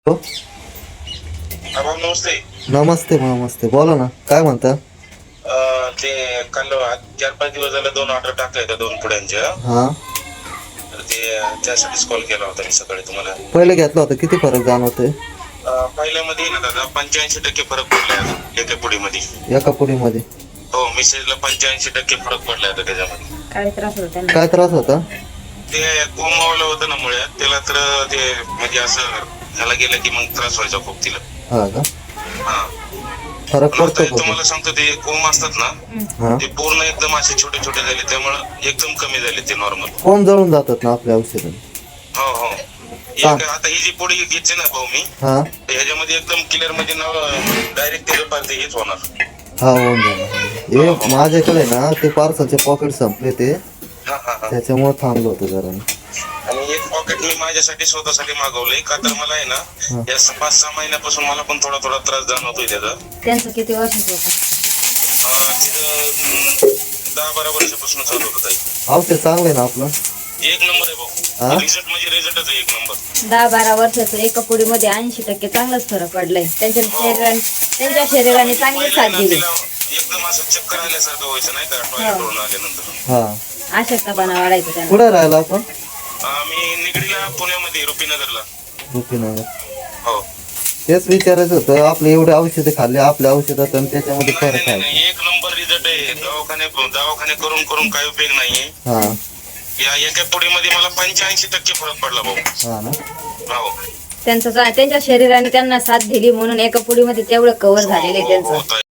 हो. नमस्ते. नमस्ते नमस्ते, बोला ना, काय म्हणता? ते काल 4-5 दिवस झाले 2 ऑर्डर टाकल्या होत्या 2 पुड्यांच्या. हा, तर ते त्यासाठीच कॉल केला होता मी सकाळी तुम्हाला. पहिले घेतला होता, किती फरक जाणवतोय? पहिल्यामध्ये ना दादा 85% फरक पडलाय अजून एका पुडीमध्ये. एका पुडीमध्ये? हो, मेसेजला 85% फरक पडलाय आता त्याच्यामध्ये. काय त्रास होता त्यांना? काय त्रास होता? ते कोमावलं होतं ना मुळ्यात त्याला, तर ते म्हणजे असं ह्याला गेलं की मग त्रास व्हायचा खूप तिला. हा का? हा, फरक पण आता पडतो का? तुम्हाला सांगतो ते कोंब असतात ना, हा, ते पूर्ण एकदम असे छोटे छोटे झाले, त्यामुळे एकदम कमी झाले ते नॉर्मल. कोण जळून जातात ना आपल्या औषधाने? हो हो. आता ही जी पोळी घ्यायची ना भाऊ मी, हा ह्याच्यामध्ये एकदम क्लिअर म्हणजे नाव डायरेक्ट त्याचं पार्टी हेच होणार. हा, होऊन जाणार. हे माझ्याकडे ना ते पार्सलचे पॉकेट संपले ते, हा हा हा. त्याच्यामुळे थांबलो होतो जरा. आणि एक पॉकेट मी माझ्यासाठी स्वतःसाठी मागवलंय, का तर मला आहे ना या 5-6 महिन्यापासून मला पण थोडा थोडा त्रास जाणवतोय त्याचा. त्यांचं किती वर्षाचं होतं? तिथं 10-12 वर्षापासून चालू होत आहे. औषध चांगलं आहे ना आपलं? एक नंबर आहे हा? भाऊ, रिझल्ट म्हणजे रिझल्टच आहे एक नंबर. 10-12 वर्षाचं एका पुडीमध्ये 80% चांगलाच फरक पडलाय. त्यांच्या शरीराने चांगली साथ पहिल्यांदा दिली. तिला एकदम असं चक्कर आल्यासारखं व्हायचं नाही का टॉयलेट वरून आल्यानंतर. हा. अशक्तपणा वाढायचा त्यांना. कुठे राहिला आपण? मी निगडीला पुण्यामध्ये रुपीनगरला. रुपीनगर. हो. तेच विचारायचं होतं, आपले एवढे औषधे खाल्ले आपल्या औषधात आणि त्याच्यामध्ये नाही फरक नाही आहे. नाही, एक नंबर रिझल्ट आहे. दवाखाने करून करून काही उपयोग नाहीये. हा या एका पुडीमध्ये मला 85% फरक पडला भाऊ. हा ना. हो त्यांच्या शरीराने त्यांना साथ दिली म्हणून एका पुडीमध्ये तेवढं कव्हर झालेलं आहे हो, त्यांचं. हो,